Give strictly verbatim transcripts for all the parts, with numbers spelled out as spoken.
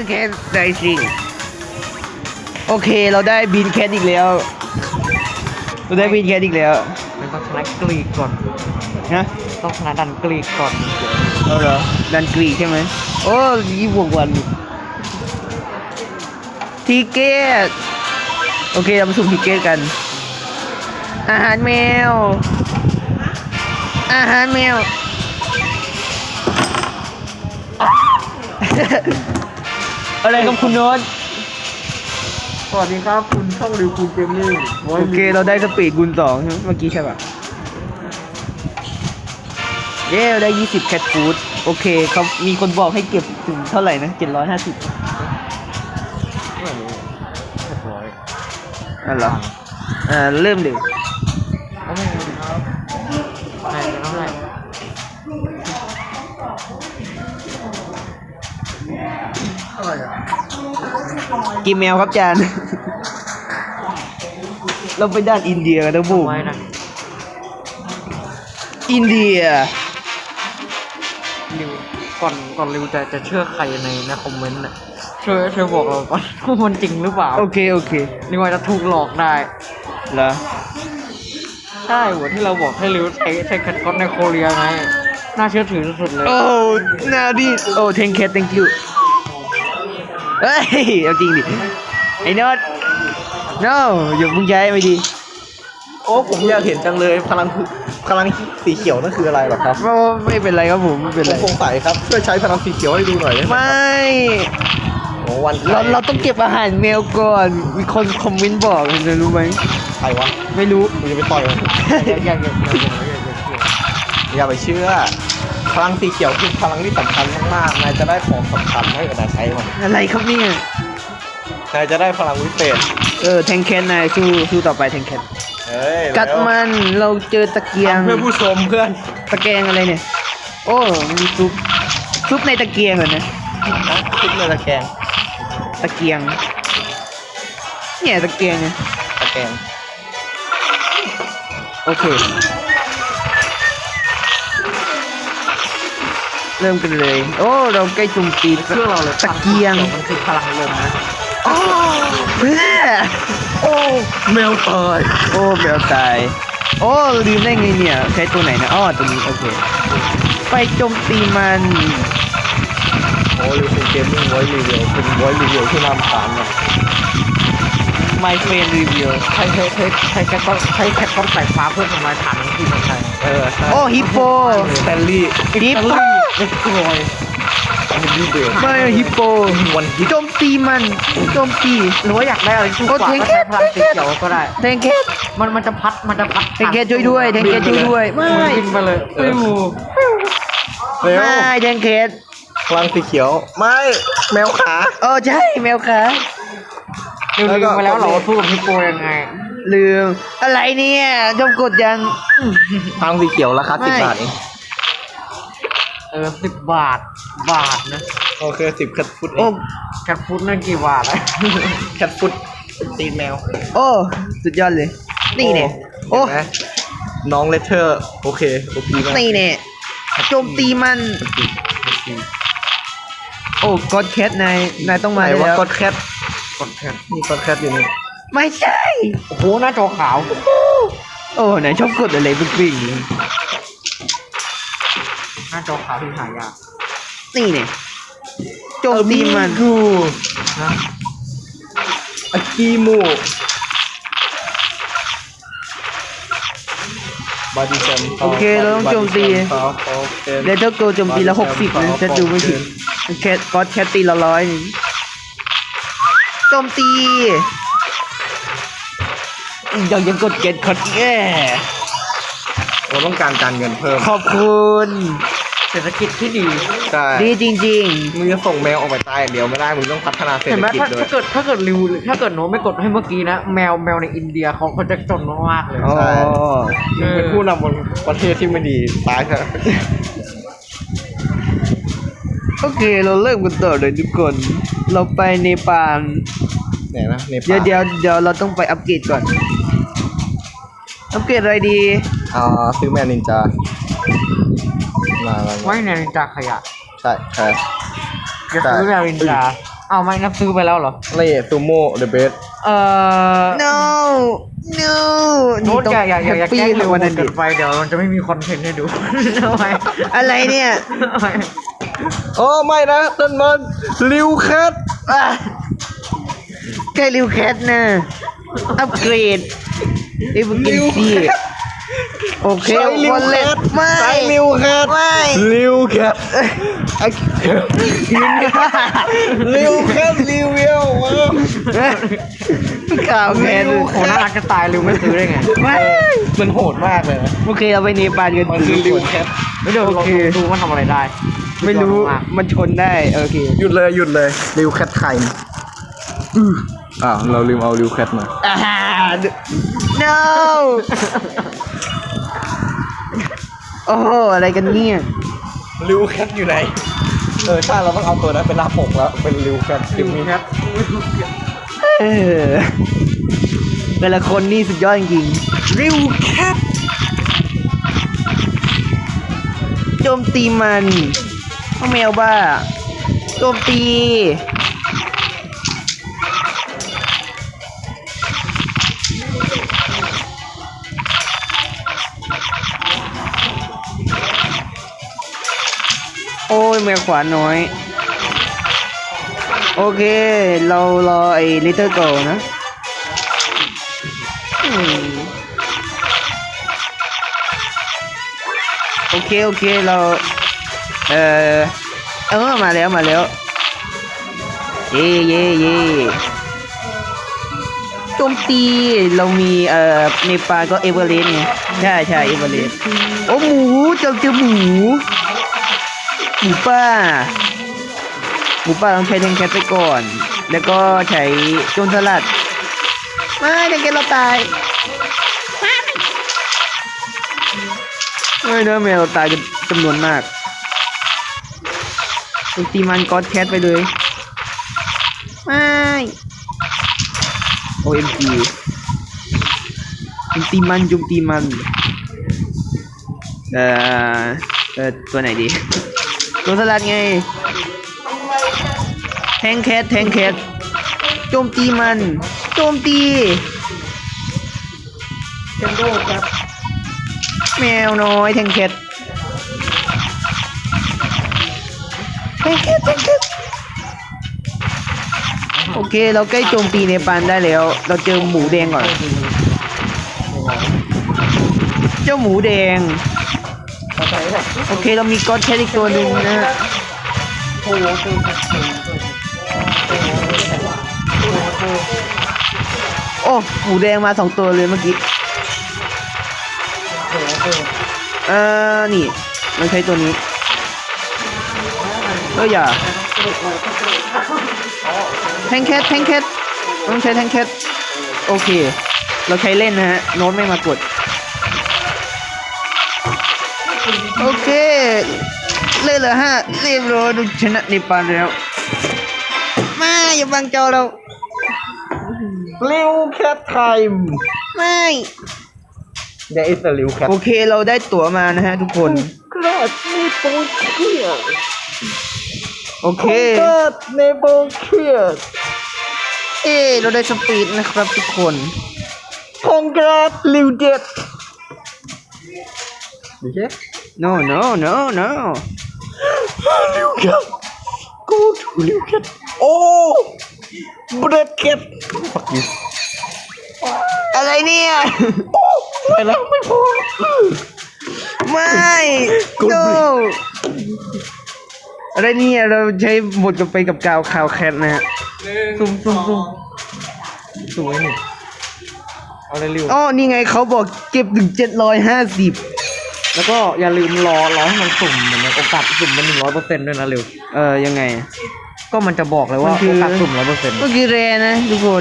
แคทได้สิโอเคเราได้บินแคทอีกแล้วเราได้บินแคทอีกแล้วมันต้องชนะกรีกก่อนนะต้องชนะดันกรีกก่อนเอาเหรอดันกรีใช่ไหมโอ้ยี่บวกวันทิเกตโอเคเรามาสุ่มทิเกตกันอาหารแมวอาหารแมวอะไรกับคุณโน้ตสวัสดีครับคุณช่องริวคูเกมมิ่งโอเคเราได้สปีดกุลสองใช่ไหมเมื่อกี้ใช่ป่ะเย้เราได้ยี่สิบแคทฟูดโอเคเขามีคนบอกให้เก็บถึงเท่าไหร่นะเจ็ดร้อยห้าสิบเรียบร้อยอ่ะเหรออ่าเริ่มเลยโอ้ไม่ครับไหนจะต้องไหนอะไรอ่ะกินแมวครับจานเราไปด้านอินเดียกันนะบูมอินเดียริวก่อนก่อนริวจะจะเชื่อใครในในคอมเมนต์น่ะช่วยช่วยบอกเราก่อนว่ามันจริงหรือเปล่าโอเคโอเคนี่ว่าจะถูกหลอกได้เหรอใช่หัวที่เราบอกให้ริวใช้ใช้คัดก้อนในโคเรียไงน่าเชื่อถือสุดเลยโอ้นาดิโอ้ thank you thank you เฮ้ยเอาจริงดิไอ้นอต no อย่ามึงย้ายไม่ดีโอ้ผมอยากเห็นจังเลยพลังพลังสีเขียวนั่นคืออะไรหรอครับไม่เป็นไรครับผมไม่เป็นไรผมสงสัยครับช่วยใช้พลังสีเขียวให้ดูหน่อยได้ไหมไม่โอ้วันเราเราต้องเก็บอาหารแมวก่อนมีคนคอมเมนต์บอกจะรู้ไหมใครวะไม่รู้มึงจะไปต่อยมันอย่าอย่าอย่าอย่าไปเชื่อพลังสีเขียวคือพลังที่สำคัญมากๆนายจะได้ของสำคัญให้กับนายใช้มันอะไรครับเนี่ยนายจะได้พลังวิเศษเออแทงแคนนายสู้สู้ต่อไปแทงแคนกัดมันเราเจอตะเกียงเพื่อผู้ชมเพื่อนตะแกรงอะไรเนี่ยโอ้มีซุปซุปในตะเกียงเหรอเนี่ยซุปในตะแกรงตะเกียงเนี่ยตะเกียงเนี่ยตะแกรงโอเคเริ่มกันเลยโอ้เราใกล้จุ่มตีเชื่อเราเลยตะเกียงมันคือพลังลมนะโอ้เพื่อโอ้แมวตายโอ้แมวตายโอ้ลืมได้ไงเนี่ยใช้ตัวไหนนะอ้อตัวนี้โอเคไปโจมตีมันโอ้ยเป็นเกมมิ่งไว้รีวิวเป็นไว้รีวิวที่น่ารำคาญเนี่ย My friend review ใช้ใช้ใช้ใช้แคทก้อนใช้แคทก้อนสายฟ้าเพื่อทำลายฐานที่มันใช่เออโอ้ฮิปโปสแตนลี่ฮิปโปเด็กกลอยไม่ฮิปโปวันโจมตีมันโจมตีหรือว่าอยากได้อะไรที่กว่าก็ใช้พลังสีเขียวก็ได้แทงแคทมันมันจะพัดมันจะพัดแทงแคทช่วยด้วยแทงแคทช่วยด้วยไม่บินไปเลยฟิวไม่แทงแคทพลังสีเขียวไม่แมวขาเออใช่แมวขาลืมไปแล้วเหรอสู้กับฮิปโปยังไงลืมอะไรเนี่ยจมกดยังพลังสีเขียวราคาสิบบาทเองเออสิบบาทบาทนะโอเคสิบแคทฟุตเองแคทฟุตนั่นกี่บาทอะแคทฟุตตีนแมวโอ้สุดยอดเลยนี่เนี่ยโอ้น้องเลเทอร์โอเคโอเคมากนี่เนี่ยโจมตีมันโอ้กดแคทนายนายต้องมาแล้วกดแคทกดแคทนี่กดแคทอยู่นี่ไม่ใช่โอ้โหหน้าจอขาวโอ้ไหนชอบกดอะไรปิ๊งปิ๊งหน้าจอขาวที่หายากนี่เนี่ยโจมตีมันกูนะอากิโมบาดิเซมโอเคเราต้องโจมตีเดี๋ยวถ้าโกโจมตีละหกสิบนะจะดูไม่ผิดแคทก็แคทตีละร้อยนึงโจมตียังยังกดเก็ตคอดแย่เราต้องการการเงินเพิ่มขอบคุณเศรษฐกิจที่ดีใช่ดีจริงๆมึงจะส่งแมวออกไปตายเดี๋ยวไม่ได้มึงต้องพัฒนาเศรษฐกิจด้วยถ้าเกิดถ้าเกิดริวถ้าเกิดโน้ไม่กดให้เมื่อกี้นะแมวแมวในอินเดียเขาเขาจะจนมากเลยใช่เป็นผู้นำบนประเทศที่ไม่ดีตายครับโอเคเราเริ่มกันต่อเลยทุกคนเราไปเนปาลเนี่ยนะเนปาลเดี๋ยวเดี๋ยวเดี๋ยวเราต้องไปอัปเกรดก่อนอัปเกรดอะไรดีอ่าซื้อแมนนินจาไว้ในนินจาขยะใช่ใช่จะซื้อแมวนินจาเอาไม่นับซื้อไปแล้วเหรอเลซูโม่ the best เอ่อ no no โน้ตอย่าอย่าอย่าอย่าปีแกล้งเร็ววันเกินั้นดินไปเดี๋ยวมันจะไม่มีคอนเทนต์ให้ดู ทำไมอะไรเนี่ยทำไมโอ้ไม่นะต้นมันริวแคทอ่ะแค่ริวแคทนะอัปเกรดไอ้บุกินซีโอเคใช้ริววันแคเล็ทไม่ใช้ริวแคทไม่ริวแคทไอ้ริวแคทรีวิวมาข่าวแคทริวโหน่ารักจะตายเร็วไม่ซื้อได้ไงไม่มันโหดมากเลยนะโอเคเราไปเนปาลกันมันคือริวแคทไม่เดี๋ยวเราดูมันทำอะไรได้ไม่รู้มันชนได้โอเคหยุดเลยหยุดเลยริวแคทไข่อื้ออ้าวเราลืมเอาริวแคทมาอ่า no โอ้โหอะไรกันเนี่ยริวแคทอยู่ไหนเออใช่เราต้องเอาตัวนั้นเป็นหน้าปกแล้วเป็นริวแคทริวแคทเออแต่ละคนนี่สุดยอดจริงๆริวแคทโจมตีมันพ่อแมวบ้าโจมตีโอ้ยแมวขวาน้อย โอเค เรารอไอ้ Little Girl นะอืมโอเค โอเค เรา เออเออ มาแล้ว มาแล้ว เย่เย่เย่โจมตี เรามี เอ่อเนปาลก็เอเวอเรสต์ไง ใช่ใช่เอเวอเรสต์โอ้หมูเจ้าเจอหมู หมูป่า หมูป่าต้องใช้แทงแคทไปก่อน แล้วก็ใช้โจรสลัด ไม่แทงแคทเราตายไม่เนื้อแมวเราตายกันจำนวนมากตีมันก็อดแคทไปเลย ไม่โอเอ็มจีจุมตีมันจุมตีมัน เอ่อ เอ่อ ตัวไหนดีตัวสลัดไง แทงแคทแทงแคทโจมตีมันโจมตีเทนโดครับแมวน้อยแทงแคทแทงแคทแทงแคทโอเคเราใกล้โจมตีเนปาลได้แล้ว เราเจอหมูแดงก่อน เจ้าหมูแดงโอเคเรามีก๊อตแคทอีกตัวหนึ่งนะฮะโอ้หมูแดงมาสองตัวเลยเมื่อกี้เออนี่มันใช้ตัวนี้เอออย่าแทงแคทแทงแคทต้องใช้แทงแคทโอเคเราใช้เล่นนะฮะโน้ตไม่มากดโอเคเล่นเหรอฮะเรียบร้อยดูชนะเนปาลแล้วมาอย่าบังจอเราริวแคทไทม์ไม่ There is a ริวแคทโอเคเราได้ตั๋วมานะฮะทุกคนกราดในโปเคียโอเคกราดในโปเคียเอ้เราได้สปีดนะครับทุกคนคงกราดริวเจ็ดดีแค่ no no no no ริวแคท go to ริวแคทโอ้เบรดแคท fuck you อะไรเนี่ยไปแล้วไม่พอไม่ no อะไรเนี่ยเราใช้หมดกันไปกับกาวคาวแคทนะฮะซุ่มซุ่มซุ่มสวยนี่เอาเลยริวอ๋อนี่ไงเขาบอกเก็บถึงเจ็ดร้อยห้าสิบแล้วก็อย่าลืมรอรอให้มันสุ่มเหมือนโอกาสสุ่มมันหนึ่งร้อยเปอร์เซ็นต์ด้วยนะริวเออยังไงก็มันจะบอกเลยว่ามันคือโอกาสสุ่มร้อยเปอร์เซ็นต์ก็คือแรนะทุกคน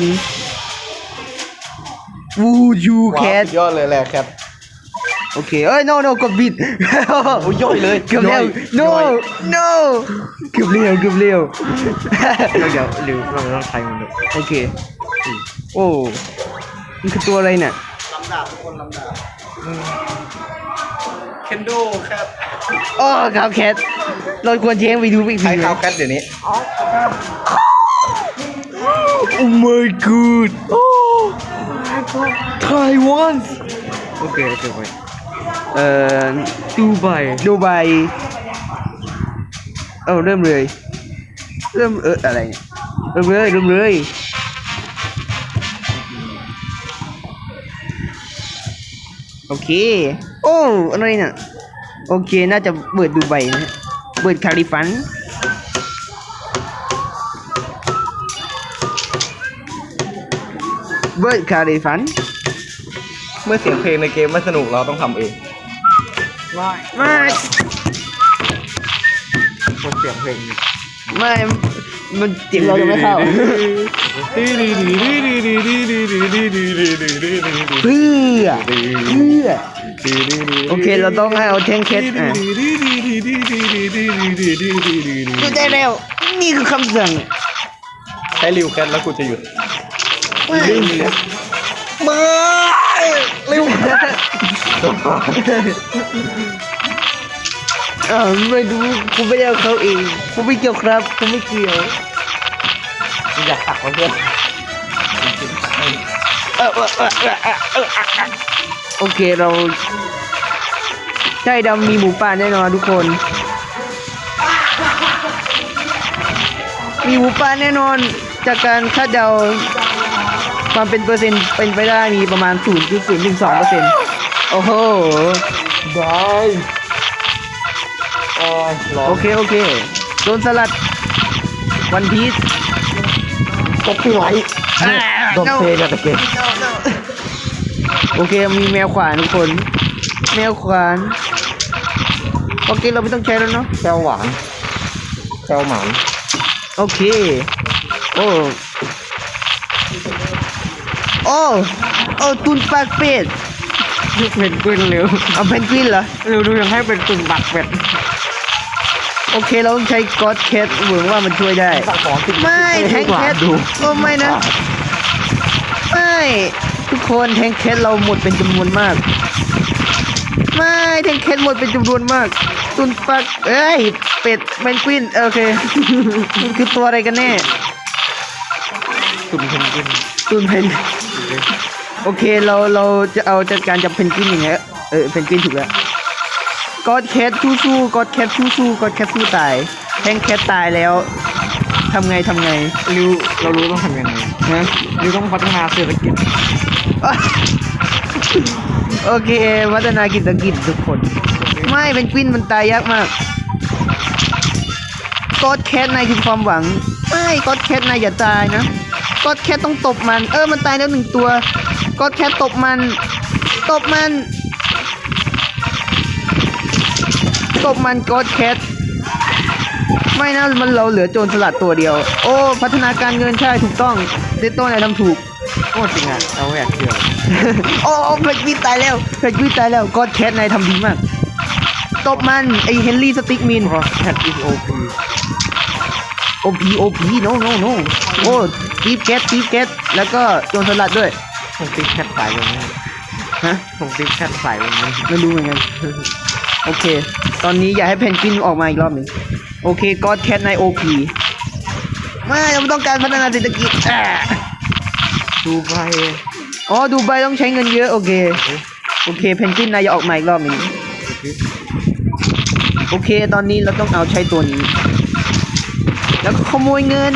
วูยูแคว้าวทสุดยอดเลยแหละแคทโอเคเอ้ย no no กดบิดโอ้ยย่อยเลยเกือบเร็วย่ no อย no เกือบเร็วเกือบเร็วเราเดี๋ยวริวเราต้องใช้มันดูโอเคโอ้มันคือตัวอะไรเนี่ยลำดาบทุกคนลำดาบเคนโดแคทอ๋อข่าวแคทเราควรเช็คไปดูอีกใช้ทีข่าวแคทเดี๋ยวนี้ Oh my god โอ้ ไต้หวันโอเคโอเคไปเอ่อดูไบดูไบเอ้าเริ่มเลย เริ่มเอออะไรเนี่ยเริ่มเลยเริ่มเลยโอเค โอ้อะไรเนี่ยโอเคน่าจะเปิดดูไบนะฮะเปิดคาลิฟันเบิร์ดคาริฟันเมื่อเสียงเพลงในเกมไม่สนุกเราต้องทำเองไม่ไม่คนเสียงเพลงไม่มันเสียงเราจะไม่เข้า เพื่อเพื่อโอเคเราต้องให้เอาแทงเคสอ่ะหยุดได้แล้วนี่คือคำสั่งใช้ริวแคทแล้วกูจะหยุดไม่มาเร็วอ่าวไม่ดูกูไม่ได้เอาเขาเองกูไม่เกี่ยวครับกูไม่เกี่ยวอยากตักมาเพื่อนเออเออเออเออเออเออโอเคเราใช่ดำมีหมูป่าแน่นอนทุกคน มีหมูป่าแน่นอนจากการคาดเดาความเป็นเปอร์เซ็นต์เป็นไปได้มีประมาณ ศูนย์จุดศูนย์หนึ่งสองเปอร์เซ็นต์ โอ้โหได้โอ้ยร้อโอน เคโอเคโดนสลัดวันพีชก็พี่ไหวโดนเทจากตะเกียบโอเคมีแมวขวานทุกคน แมวขวานโอเคเราไม่ต้องใช้แล้วเนาะแก้วหวานแก้วหมานโอเค โอ้ โอ้ โอ้ตุนปากเป็ดเพนกวินเร็วเอาเพนกวินเหรอเร็วดูยังให้เป็นตุ่นบักเป็ดโอเคเราต้องใช้ก็อดแคทหวังว่ามันช่วยได้ตักสองสิบไม่แทงแคทดูโอ้ไม่นะ ไม่ ทุกคนแทงแคทเราหมดเป็นจำนวนมาก ไม่แทงแคทหมดเป็นจำนวนมาก ตุนปากเอ้ย เป็ดเพนกวินโอเค มันคือตัวอะไรกันแน่ตุ่นเพนกวินตุนเพนโอเคเราเราจะเอาจัดการจับเพนกวินอย่างเงี้ยเออเพนกวินถูกแล้วกอดแคทสู้สู้กอดแคทสู้สู้กอดแคทสู้ตายแทงแคทตายแล้วทำไงทำไงริวเรารู้ต้องทำยังไงนะริวต้องพัฒนาเศรษฐกิจโอเควัฒนากิจกิจทุกคน ไม่เพนกวินมันตายยากมากกอดแคทนายคือความหวังไม่กอดแคทนายอย่าตายนะกอดแคทต้องตบมันเออมันตายแล้วหนึ่งตัวกอดแคทตบมันตบมันตบมันกอดแคทไม่นะมันเราเหลือโจรสลัดตัวเดียว โอ้พัฒนาการเงินใช่ถูกต้องเดโต้นายทำถูกโอ้จริงอ่ะเราไม่อยากเชื่อโอ้เพชรวิตายแล้วเพชรวิตายแล้วกอดแคทนายทำดีมากตบมันไอเฮนรี่สติ๊กมินเพราะแคทอีโอพีโอพีโอพีโนโนโนโอ้ทีฟแคททีฟแคทแล้วก็โจรสลัดด้วยผมติ๊กแคทสายแบบนี้ฮะผมติ๊กแคทสายแบบนี้ไม่รู้เหมือนกัน โอเค ตอนนี้อยากให้เพนกวินออกมาอีกรอบหนึ่งโอเคกอดแคทนายโอพีไม่เราต้องการพัฒนาเศรษฐกิจอ่าดูไบอ๋อดูไบต้องใช้เงินเยอะโอเคโอเคเพนกวินนายอย่าออกมาอีกรอบหนึ่งโอเค ตอนนี้เราต้องเอาใช้ตัวนี้ แล้วก็ขโมยเงิน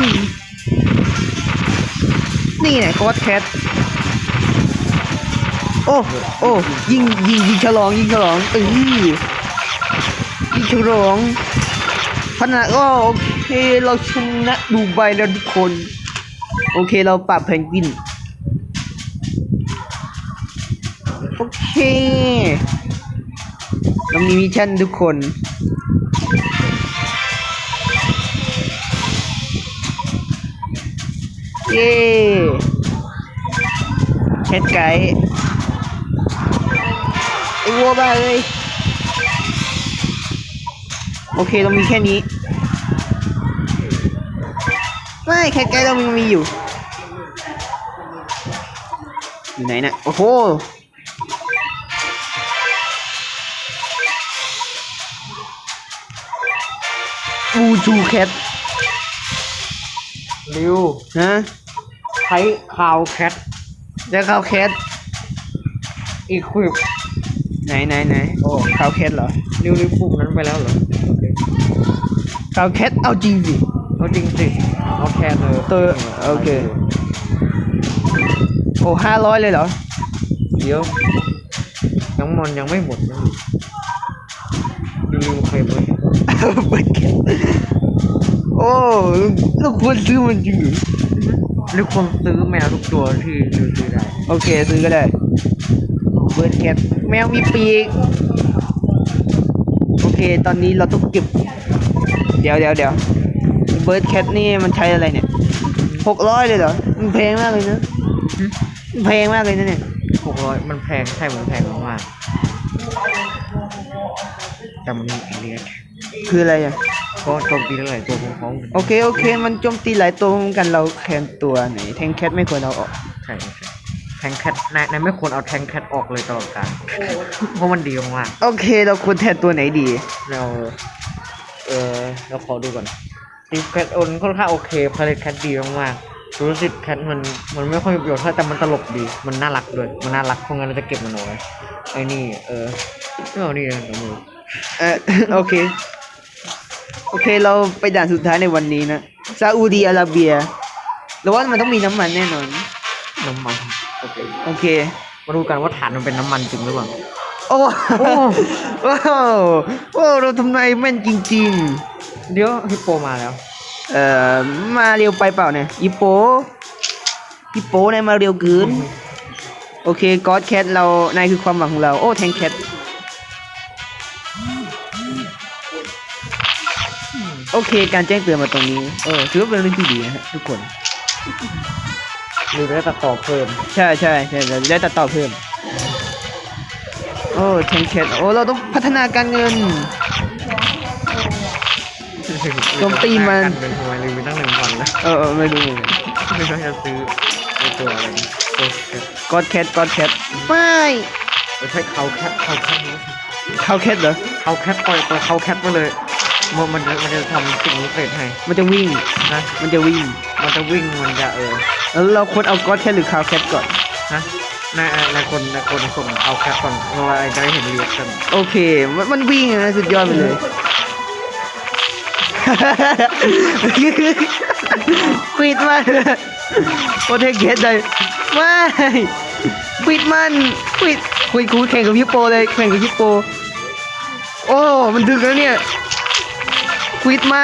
นี่ไงกอดแคทโอ้โอ้ยิงยิงยิงฉลองยิงฉลองเออยิงฉลองพัฒนาก็โอเคเราชนะดูไบแล้วทุกคน โอเคเราปรับเพนกวินโอเคเรามีมิชชั่นทุกคนเย้แคทไก่ไอ้วัวบ้าเลยโอเคเรามีแค่นี้ไม่แคทไก่เรามีมีอยู่อยู่ไหนน่ะโอ้โหบูจูแคทริวฮะช้คาวแคทแล้วคาวแคทอีควิปไหนไหนไหนโอ้คาวแคทเหรอนิ้วนิ้วปุ่มนั้นไปแล้วเหรอโอเคคาวแคทเอาจริงสิเอาจริงสิเอาแทนเลยตัวโอเค โอ้ห้าร้อยเลยเหรอเดี๋ยวน้ำมันยังไม่หมดนะลืมใครไปเปิดแคทโอ้ลูกควรซื้อมันจริงเหรอหรือคนซื้อแมวทุกตัวที่ดูซื้อได้โอเคซื้อก็ได้เบิร์ดแคทแมวมีปีกโอเคตอนนี้เราต้องเก็บเดี๋ยวเดี๋ยวเดี๋ยวเบิร์ดแคทนี่มันใช้อะไรเนี่ยหกร้อยเลยเหรอมันแพงมากเลยนะมันแพงมากเลยนะเนี่ยหกร้อยมันแพงใช่มันแพงมากๆแต่มันมีเอเลียสคืออะไรอ่ะก็โจมตีหลายตัวของเขาโอเคโอเค มันโจมตีหลายตัวเหมือนกันเราแคนตัวไหนแทงแคทไม่ควรเอาออกใช่ใช่แทงแคทนายนายไม่ควรเอาแทงแคทออกเลยตลอดกาลเพราะมันดีมากโอเค เราควรแทนตัวไหนดีๆเราเออเราขอดูก่อนตีแคทโอนค่อนข้างโอเคพาเลตแคทดีมากๆรู้สึกแคทมันมันไม่ค่อยมีประโยชน์เท่าแต่มันตลกดีมันน่ารักด้วยมันน่ารักเพราะงั้นเราจะเก็บมันเอาไว้ไอ้นี่เออไม่เอานี่นะเดี๋ยวมือเออ โอเค โอเคเราไปด่านสุดท้ายในวันนี้นะซาอุดีอาระเบียเราว่ามันต้องมีน้ำมันแน่นอนน้ำมันโอเคโอเคมาดูกันว่าฐานมันเป็นน้ำมันจริงหรือเปล่าโอ้โอ้โอ้โอ้เราทำนายแม่นจริงเดี๋ยวฮิปโปมาแล้วๆ เอ่อมาเร็วไปเปล่าเนี่ยอีโปอีโปนายมาเร็วเกินโอเคก็อดแคทเรานายคือความหวังของเราโอ้แทงแคทโอเคการแจ้งเตือนมาตรงนี้เออถือว่าเป็นเรื่องที่ดีนะฮะทุกคนหรือได้ตัดต่อเพิ่มใช่ใช่ใช่เราจะได้ตัดต่อเพิ่มโอ้แทงแคทโอ้เราต้องพัฒนาการเงิน โจมตีมันเป็นทำไมลืมไปตั้งหนึ่งพันแล้วเออเออไม่รู้เหมือนกันไม่รู้จะซื้อไอตัวอะไรตัวแคทก็อดแคทก็อดแคทไม่ไม่ใช่เขาแคทเขาแคทนี้เขาแคทเหรอเขาแคทปล่อยตัวเขาแคทมาเลยมันมันจะมันจะทำสิ่งนี้เสร็จให้มันจะวิ่งนะมันจะวิ่งมันจะวิ่งมันจะเออแล้วเราควรเอาก็อดแคทหรือคาวแคทก่อนนะนายนายคนนายคนส่งเขาแคทก่อนเราจะได้เห็นเรียกกันโอเค มันมันวิ่งนะสุดยอดไปเลย ควิดมันโอเทคเกตเลยไม่ควิดมันควิดควิดคูแข่งกับฮิปโปเลยแข่งกับฮิปโปโอ้มันดึกแล้วเนี่ยควิดมัน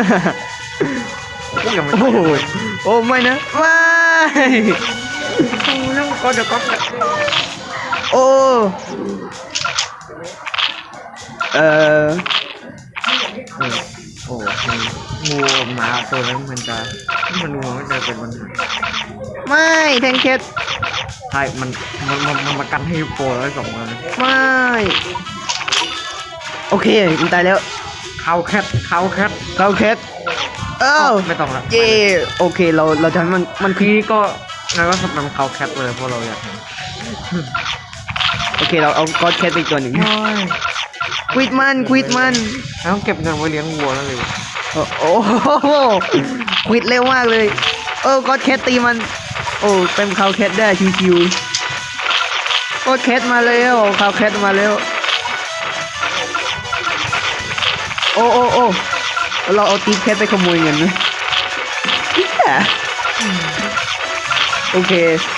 ยังไม่โอ้โหโอ้ไม่นะไม่นั่งก็เดี๋ยวก็โอ้เอ่อโอ้งูหมาตัวนั้นมันจะมันดูมันจะเป็นปัญหาไม่แทงแคทใช่มันมันมันมันมากันให้โปรแล้วสองคนไม่โอเคมันตายแล้วเขาแคทเขาแคทคาวแคทเอ้าไม่ต้องละเย่โอเคเราเราจะให้มันมันคือพี่ก็นายก็สำนักเขาแคทเลยเพราะเราอยากเห็นโอเคเราเอาก็อดแคทไปอีกตัวหนึ่งควิดมันควิดมันแล้วเก็บเงินไว้เลี้ยงวัวแล้วเลยโอ้โอ้โหควิดเร็วมากเลยเออก็อดแคทตีมันโอ้เป็นคาวแคทได้ชิวๆก็อดแคทมาแล้วคาวแคทมาแล้วโอ้โอ้โอ้เราเอาตีแคทไปขโมยเงินนะเหี้ยโอเค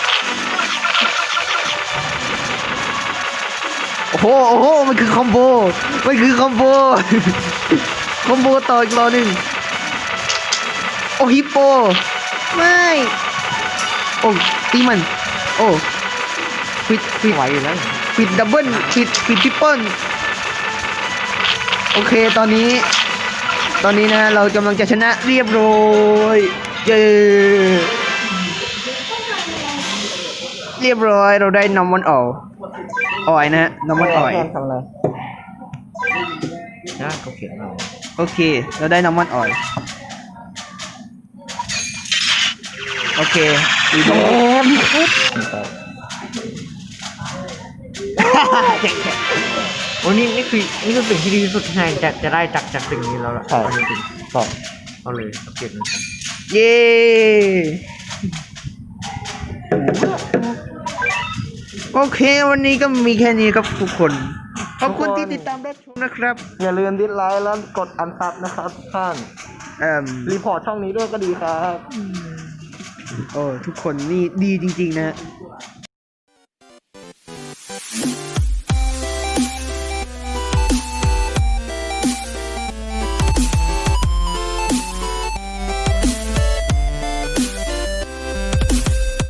โอ้โหโอ้โหมันคือคอมโบมันคือคอมโบ คอมโบต่ออีกรอหนึ่งโอ้ฮิปโปไม่โอ้ตีมันโอ้ปิดปิดไหวอยู่แล้วปิดดับเบิลปิดปิดทริปเปิลโอเคตอนนี้ ตอนนี้นะเรากำลังจะชนะเรียบร้อยเย้เรียบร้อยเราได้นำมันออกออยนะฮะนำมันออยทำอะไรนะเขาเขียนเราโอเค เราได้น้ำมันออยล์โอเคดีมากโอ้นี่นี่คือนี่คือสิ่งที่ดีที่สุดที่นายจะจะได้จากจากสิ่งนี้แล้วล่ะเอาจริงๆต่อเอาเลยเอาเก็บมันเย้โอเค วันนี้ก็มีแค่นี้ครับทุกคนขอบคุณที่ติดตามรับชมนะครับอย่าลืมดิสไลค์แล้วกดอันซับนะครับทุกท่านเอ่มรีพอร์ตช่องนี้ด้วยก็ดีครับโอ้ทุกคนนี่ดีจริงๆนะ